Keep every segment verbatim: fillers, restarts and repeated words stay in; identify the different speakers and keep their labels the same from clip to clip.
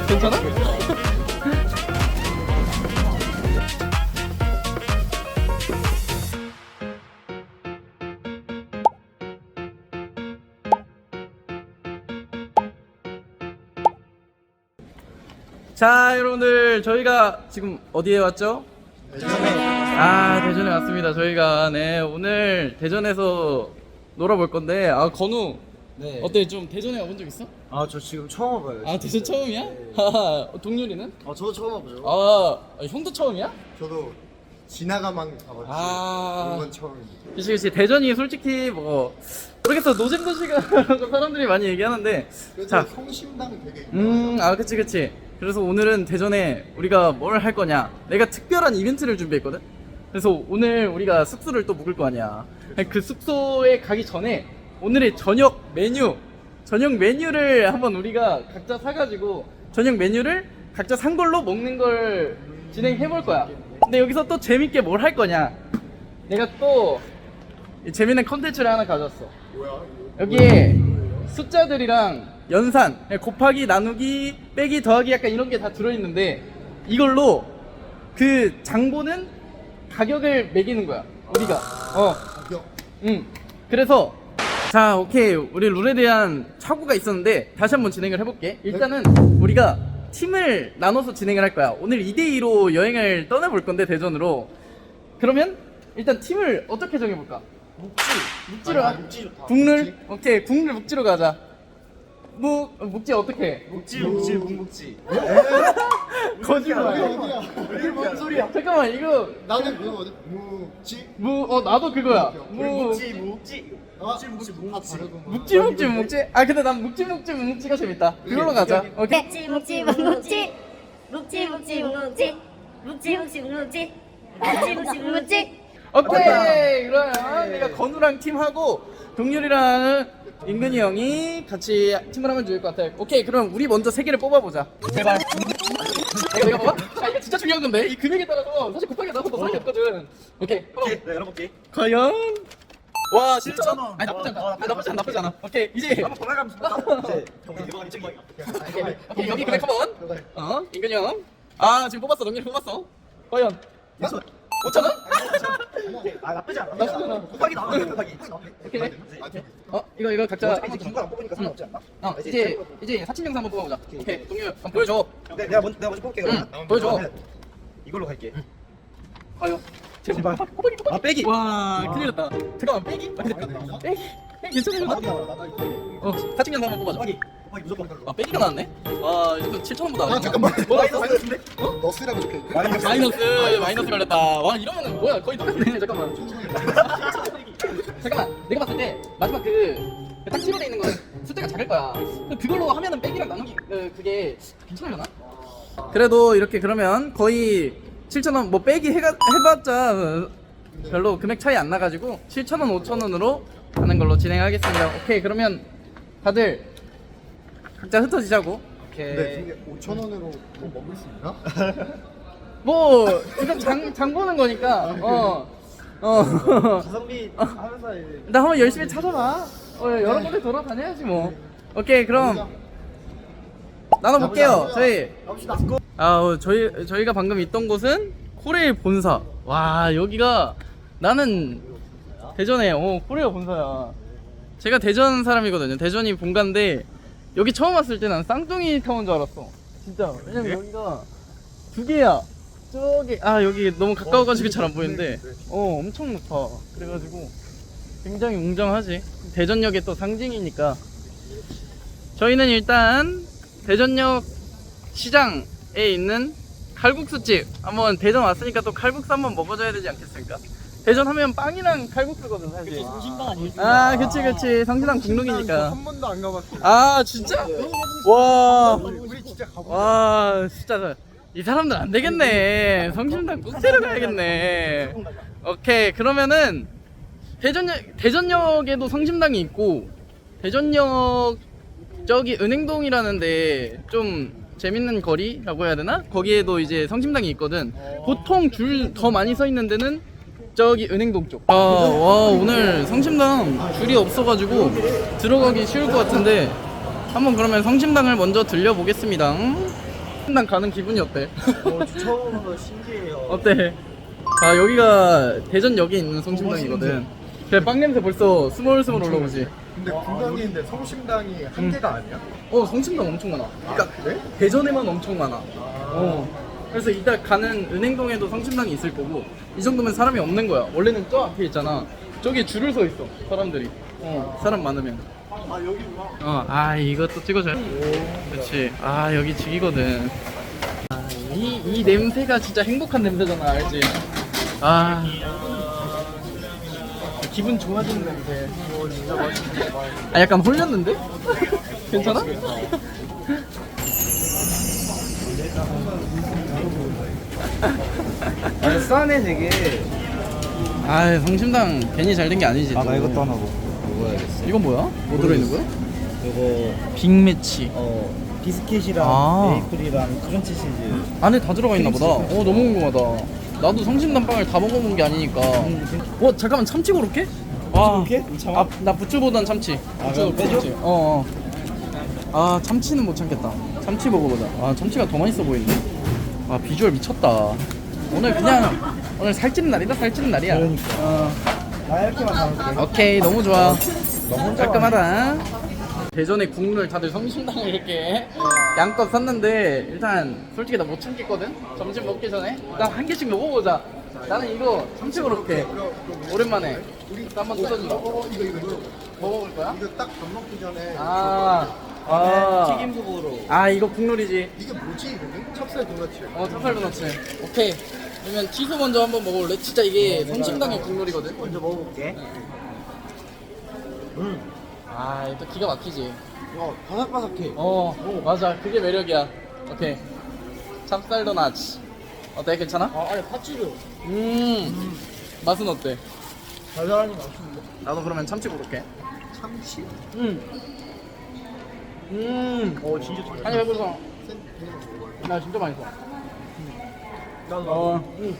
Speaker 1: 괜찮아? 자, 여러분들 저희가 지금 어디에 왔죠? 대전에. 아, 대전에 왔습니다. 저희가 네 오늘 대전에서 놀아볼 건데, 아 건우
Speaker 2: 네.
Speaker 1: 어때? 좀 대전에 와본 적 있어?
Speaker 2: 아, 저 지금 처음 와봐요.
Speaker 1: 아, 대전 처음이야?
Speaker 2: 네.
Speaker 1: 하하, 동률이는?
Speaker 2: 아, 저도 처음 와보죠.
Speaker 1: 아, 형도 처음이야?
Speaker 3: 저도 지나가만 가봤지.
Speaker 1: 아.
Speaker 3: 이건 처음입니다.
Speaker 1: 그치 그치. 대전이 솔직히 뭐 모르겠어, 노잼도시라고 사람들이 많이 얘기하는데,
Speaker 3: 그래서
Speaker 1: 자,
Speaker 3: 성심당 되게
Speaker 1: 음, 아 그치 그치. 그래서 오늘은 대전에 우리가 뭘 할 거냐, 내가 특별한 이벤트를 준비했거든. 그래서 오늘 우리가 숙소를 또 묵을 거 아니야. 그 숙소에 가기 전에 오늘의 저녁 메뉴 저녁 메뉴를 한번 우리가 각자 사가지고 저녁 메뉴를 각자 산 걸로 먹는 걸 진행해 볼 거야. 근데 여기서 또 재밌게 뭘 할 거냐, 내가 또 재밌는 컨텐츠를 하나 가져왔어.
Speaker 3: 뭐야?
Speaker 1: 여기에 숫자들이랑 연산, 곱하기, 나누기, 빼기, 더하기 약간 이런 게 다 들어있는데, 이걸로 그 장보는 가격을 매기는 거야 우리가. 어,
Speaker 3: 가격.
Speaker 1: 응. 그래서 자, 오케이, 우리 룰에 대한 착오가 있었는데 다시 한번 진행을 해볼게. 일단은 우리가 팀을 나눠서 진행을 할 거야. 오늘 이 대 이로 여행을 떠나볼 건데, 대전으로. 그러면 일단 팀을 어떻게 정해볼까?
Speaker 2: 묵지.
Speaker 1: 묵지로
Speaker 3: 아,
Speaker 1: 가.
Speaker 3: 묵지 좋다.
Speaker 1: 국룰? 오케이, 국룰 묵지로 가자. 묵, 묵지 어떻게 해?
Speaker 2: 묵지, 묵지, 묵묵지.
Speaker 1: 거짓말.
Speaker 3: 어디야?
Speaker 1: 이게 뭔 소리야? 잠깐만, 이거
Speaker 3: 나는 그거거든. 무지.
Speaker 1: 무, 어, 나도 그거야. 무,
Speaker 2: 묵지, 묵지.
Speaker 3: 아, 묵지 묵지.
Speaker 1: 묵지 묵지 묵지. 아, 근데 난 묵지 묵지 묵지가 재밌다. 그걸로 가자. 오케이.
Speaker 4: 묵지 묵지 묵묵지 묵지 묵지 묵묵지 묵지 묵지 묵묵지 묵지 묵지 묵묵지.
Speaker 1: 오케이. 그러면 내가 건우랑 팀하고 동률이랑 인근이 형이 같이 팀을 하면 좋을 것 같아. 오케이. 그럼 우리 먼저 세 개를 뽑아보자. 제발. 내가 내가 뽑아? 아, 이거 진짜 중요한 건데, 이 금액에 따라서 사실 곱하기 나서 더 수밖에 없거든. 오케이.
Speaker 2: 오케이, 네, 열어볼게.
Speaker 1: 과연? 와, 진짜?
Speaker 2: 칠천 원.
Speaker 1: 아니, 나쁘지 않아.
Speaker 2: 와,
Speaker 1: 아, 나쁘지 않아. 나쁘지 않아. 오케이. 이제
Speaker 2: 한번 번갈아가면서 이제 이번 이쪽이.
Speaker 1: 오케이, 오케이, 여기 금액 한번. 어, 인근이 형. 아, 지금 뽑았어. 동률이 뽑았어. 과연? 오천 원?
Speaker 2: 아, 나쁘지 않아.
Speaker 1: 나쁘지 않아.
Speaker 2: 곱하기 나오네, 곱하기.
Speaker 1: 오케이. 어, 이거 이거 각자.
Speaker 2: 어차피 이제 긴 거랑 뽑으니까 상관없지 않나?
Speaker 1: 어, 이제 이제 사진 영상 한번 뽑아보자. 오케이, 동률 한번 보여줘.
Speaker 2: 네, 내가 먼저 내가 먼저 뽑을게. 그러면.
Speaker 1: 응, 보여줘.
Speaker 2: 그러면 이걸로 갈게.
Speaker 1: 과연?
Speaker 2: 제발.
Speaker 1: 뽑아기, 뽑아기.
Speaker 2: 아, 빼기.
Speaker 1: 와, 큰일 났다. 잠깐만, 빼기? 아, 근데 빼기? 빼기 괜찮아? 어, 사진 영상 한번 뽑아줘.
Speaker 2: 곱하기. 곱하기 무조건.
Speaker 1: 아, 빼기가 나왔네? 와, 이거 칠천 원보다.
Speaker 3: 아, 잠깐만.
Speaker 1: 뭐 나왔어?
Speaker 2: 마이너스인데?
Speaker 3: 너 쓰라고 적혀 있대.
Speaker 2: 마이너스.
Speaker 1: 마이너스, 마이너스 걸렸다. 와, 이러면은 뭐야? 거의 똑같네. 잠깐만. 잠깐만, 내가 봤을 때 마지막 그 딱 칠로 돼 있는 거는 숫자가 작을 거야. 그걸로 하면은 빼기랑 나누기 그, 그게 괜찮으려나? 그래도 이렇게 그러면 거의 칠천 원 뭐 빼기 해가, 해봤자 별로 금액 차이 안 나가지고 칠천 원, 오천 원으로 하는 걸로 진행하겠습니다. 오케이, 그러면 다들 각자 흩어지자고. 오케이.
Speaker 3: 네, 근데 오천 원으로 뭐 먹을 수 있나?
Speaker 1: 뭐 이건 장, 장 보는 거니까. 어. 어.
Speaker 2: 가성비 하면서 이제
Speaker 1: 나 한번 열심히 찾아봐. 어, 여러 군데 돌아다녀야지 뭐. 오케이, 그럼 나눠볼게요. 저희.
Speaker 3: 갑시다.
Speaker 1: 아, 어, 저희 저희가 방금 있던 곳은 코레일 본사. 와, 여기가 나는 대전에 어 코레일 본사야. 제가 대전 사람이거든요. 대전이 본가인데 여기 처음 왔을 때 난 쌍둥이 타운 줄 알았어. 진짜. 왜냐면 여기가 두 개야. 저기 아 여기 너무 가까워가지고 잘 안 보이는데 어 엄청 높아. 그래가지고 굉장히 웅장하지. 대전역의 또 상징이니까. 저희는 일단 대전역 시장에 있는 칼국수집 한번, 대전 왔으니까 또 칼국수 한번 먹어줘야 되지 않겠습니까? 대전 하면 빵이랑 칼국수거든 사실.
Speaker 2: 성심당 아니에요?
Speaker 1: 아, 그치 그치. 성신당 국룰이니까.
Speaker 3: 한 번도 안 가봤어.
Speaker 1: 아, 진짜? 와,
Speaker 3: 우리 진짜 가보자.
Speaker 1: 와, 진짜 이 사람들 안 되겠네. 성심당 꼭 데려가야겠네. 오케이, 그러면은 대전역 대전역에도 성심당이 있고, 대전역 저기 은행동이라는데 좀 재밌는 거리라고 해야 되나? 거기에도 이제 성심당이 있거든. 보통 줄 더 많이 서 있는 데는 저기 은행동 쪽. 아, 와, 오늘 성심당 줄이 없어가지고 들어가기 쉬울 것 같은데 한번 그러면 성심당을 먼저 들려보겠습니다. 난 가는 기분이 어때?
Speaker 2: 어, 저 처음 오면 신기해요.
Speaker 1: 어때? 아 여기가 대전역에 있는 성심당이거든. 그래 빵 냄새 벌써 스멀스멀 올라오지.
Speaker 3: 근데 분당이 있는데 성심당이 한 개가 아니야?
Speaker 1: 어 성심당 엄청 많아. 그러니까
Speaker 3: 그래?
Speaker 1: 대전에만 엄청 많아. 어. 그래서 이따 가는 은행동에도 성심당이 있을 거고 이 정도면 사람이 없는 거야. 원래는 저 앞에 있잖아. 저기 줄을 서 있어 사람들이. 어 사람 많으면.
Speaker 3: 아 여기구나.
Speaker 1: 어, 아 이것도 찍어줘요. 그렇지. 아 여기 죽이거든. 아, 이, 이 냄새가 진짜 행복한 냄새잖아, 알지? 아 기분 좋아지는 냄새. 오, 진짜 맛있네. 아 약간 홀렸는데? 괜찮아?
Speaker 2: 아, 싸네 되게.
Speaker 1: 아 성심당 괜히 잘 된 게 아니지.
Speaker 2: 아,
Speaker 1: 또.
Speaker 2: 나 이것도 하나 먹, 먹어야겠어.
Speaker 1: 이건 뭐야? 뭐 들어있는 거야?
Speaker 2: 이거
Speaker 1: 빅매치.
Speaker 2: 어 비스킷이랑
Speaker 1: 아.
Speaker 2: 메이플이랑 크런치 치즈.
Speaker 1: 안에 다 들어가 있나 보다. 어 너무 궁금하다. 나도 성심당 빵을 다 먹어본 게 아니니까. 어 잠깐만 참치 고로케? 아,
Speaker 2: 고로케? 참아?
Speaker 1: 아, 나 부추보단 참치.
Speaker 2: 아,
Speaker 1: 부추
Speaker 2: 그럼 빼줘?
Speaker 1: 참치. 어, 어. 아 참치는 못 참겠다. 참치 먹어보자. 아 참치가 더 맛있어 보이네. 아 비주얼 미쳤다. 오늘 그냥 오늘 살찌는 날이다. 살찌는 날이야.
Speaker 2: 그러니까.
Speaker 1: 어.
Speaker 2: 나 이렇게만 담을게.
Speaker 1: 오케이 너무 좋아.
Speaker 2: 너 혼자
Speaker 1: 깔끔하다. 대전에 국물 다들 성심당을 이렇게 양껏 샀는데 일단 솔직히 나 못 참겠거든. 점심 먹기 전에 일단 한 개씩 먹어보자. 나는 이거 참치 고로케 오랜만에 한번 도전해봐.
Speaker 3: 어 이거 이거 이거.
Speaker 1: 먹어볼 거야?
Speaker 3: 이거 딱 밥 먹기 전에.
Speaker 1: 아,
Speaker 2: 아,
Speaker 1: 아,
Speaker 2: 튀김국으로.
Speaker 1: 아 이거 국룰이지.
Speaker 3: 이게 뭐지 이거는? 찹쌀 도넛이야.
Speaker 1: 어 찹쌀 도넛. 오케이. 그러면 티소 먼저 한번 먹어볼래? 진짜 이게 성심당의 국룰이거든.
Speaker 2: 먼저 먹어볼게. 음.
Speaker 1: 아 이거 또 기가 막히지.
Speaker 2: 어, 바삭바삭해.
Speaker 1: 어 맞아 그게 매력이야. 오케이. 찹쌀 도넛. 어때 괜찮아?
Speaker 2: 아, 아니 파치도.
Speaker 1: 음 맛은 어때?
Speaker 2: 달달하니 맛있는데.
Speaker 1: 나도 그러면 참치 고를게.
Speaker 3: 참치?
Speaker 1: 음. 음.
Speaker 2: 어, 진짜 잘.
Speaker 1: 한입 해보자.
Speaker 3: 센 그냥 먹어요.
Speaker 1: 나 진짜 맛있어.
Speaker 2: 나도
Speaker 1: 어. 음.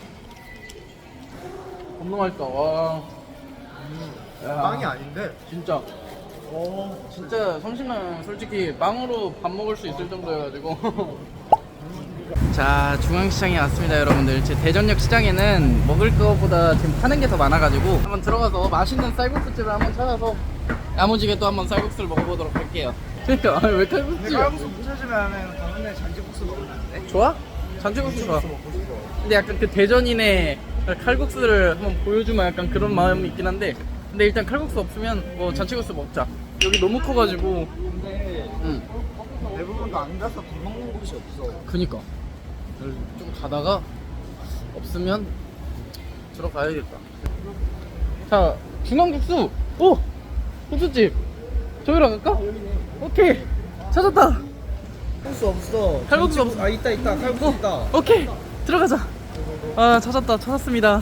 Speaker 1: 겁나 맛있다. 와. 야.
Speaker 3: 빵이 아닌데.
Speaker 1: 진짜.
Speaker 2: 어.
Speaker 1: 진짜 성심당 솔직히 빵으로 밥 먹을 수 있을 정도여가지고. 자 중앙시장에 왔습니다 여러분들. 제 대전역 시장에는 먹을 거보다 지금 파는 게 더 많아가지고 한번 들어가서 맛있는 쌀국수집을 한번 찾아서 야무지게 또 한번 쌀국수를 먹어보도록 할게요. 그러니까 아니, 왜 칼국수야?
Speaker 2: 칼국수 부서지면 다음날 잔치국수 먹으면 안 돼?
Speaker 1: 좋아? 잔치국수 좋아.
Speaker 2: 먹고 싶어.
Speaker 1: 근데 약간 그 대전인의 칼국수를 한번 보여주면 약간 그런 마음이 있긴 한데 근데 일단 칼국수 없으면 뭐 잔치국수 먹자. 여기 너무 커가지고.
Speaker 2: 근데
Speaker 1: 응.
Speaker 2: 대부분도 안 가서 밥 먹는 곳이 없어.
Speaker 1: 그니까 좀 가다가 없으면 들어가야겠다. 자 중앙국수. 오! 국수집 저기로 갈까? 오케이 찾았다.
Speaker 2: 칼국수 없어.
Speaker 1: 칼국수
Speaker 2: 잔치국- 아, 있다 있다. 칼국수 있다.
Speaker 1: 오케이 들어가자. 아 찾았다 찾았습니다.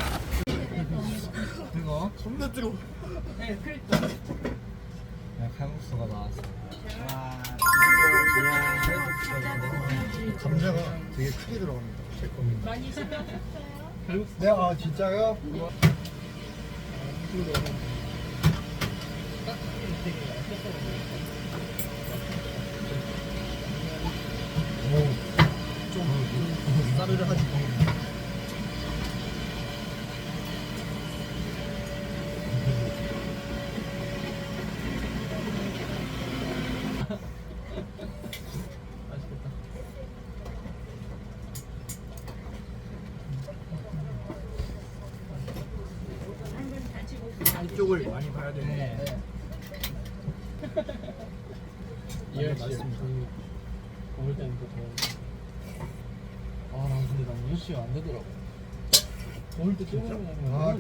Speaker 2: 이거
Speaker 3: 겁나 뜨거.
Speaker 2: 칼국수가 나왔어.
Speaker 3: 감자가 되게 크게 들어갑니다. 제 겁니다. 네, 아 진짜요? 좀 싸르르 하지. 이쪽을 많이 봐야 되네.
Speaker 1: 이열 씨 먹을 때는 또 더. 아, 난 근데 난 이열 씨가 안 되더라고. 먹을 때 쪼그려 먹으면
Speaker 3: 아,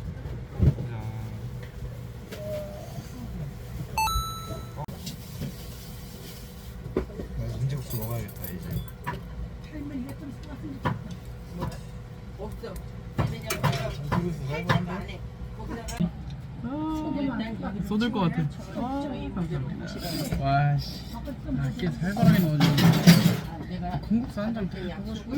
Speaker 2: 나 잔치국수 먹어야겠다 이제. 잔치국수 살만한데?
Speaker 1: 쏟을 것 같아. 와, 씨. 아, 꽤 살벌하게 넣어줘. 콩국수 한 장 더 먹어주고.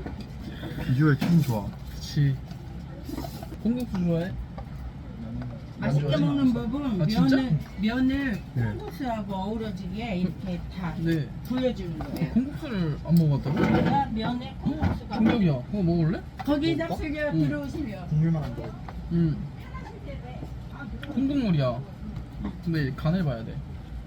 Speaker 3: 비주얼 참 좋아.
Speaker 1: 그치. 콩국수 좋아해?
Speaker 5: 맛있게 먹는 법은
Speaker 1: 아, 진짜?
Speaker 5: 면을 면을
Speaker 3: 네.
Speaker 5: 콩국수하고 어우러지게 이렇게 다
Speaker 1: 네.
Speaker 5: 보여주는 거예요.
Speaker 1: 콩국수를 안 먹어봤다고?
Speaker 5: 그러니까 면에 콩국수가
Speaker 1: 충격이야. 그거 먹을래?
Speaker 5: 거기다 실려
Speaker 1: 응.
Speaker 5: 들어오시면
Speaker 3: 국물만 안 돼.
Speaker 1: 응. 콩국물이야. 근데 간을 봐야 돼.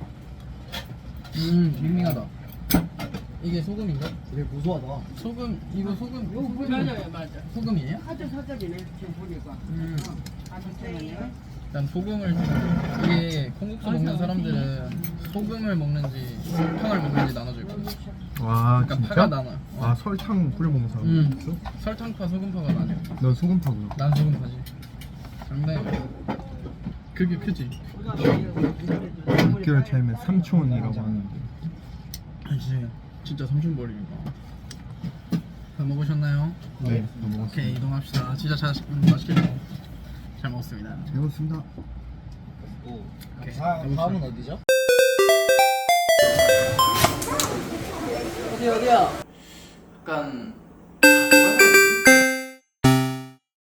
Speaker 1: 음, 밍밍하다. 이게 소금인가?
Speaker 3: 되게 고소하다.
Speaker 1: 소금, 이거 소금, 소금
Speaker 5: 맞아요, 맞아.
Speaker 1: 소금이에요?
Speaker 5: 아주 사적이네 지금 보니까.
Speaker 1: 음.
Speaker 5: 아주 괜찮아요.
Speaker 1: 난 소금을 이게 콩국수 먹는 사람들은 소금을 먹는지 설탕을 먹는지 나눠져 있거든.
Speaker 3: 와
Speaker 1: 그러니까 파가 나눠.
Speaker 3: 아 설탕 뿌려 먹는 사람
Speaker 1: 음.
Speaker 3: 있어?
Speaker 1: 설탕파, 소금파가 나눠.
Speaker 3: 넌 소금파구나.
Speaker 1: 난 소금파지. 장난이야. 그게 크지?
Speaker 3: 육 개월 차이면 삼촌이라고 하는데.
Speaker 1: 그렇지. 진짜 삼촌벌이니까. 다 먹으셨나요?
Speaker 3: 네, 너 먹었어.
Speaker 1: 오케이, 이동합시다. 진짜 잘 음, 맛있게 먹- 잘 먹었습니다.
Speaker 3: 잘 먹었습니다.
Speaker 1: 오케이.
Speaker 2: 아, 다음은 어디죠?
Speaker 1: 어디 어디야? 약간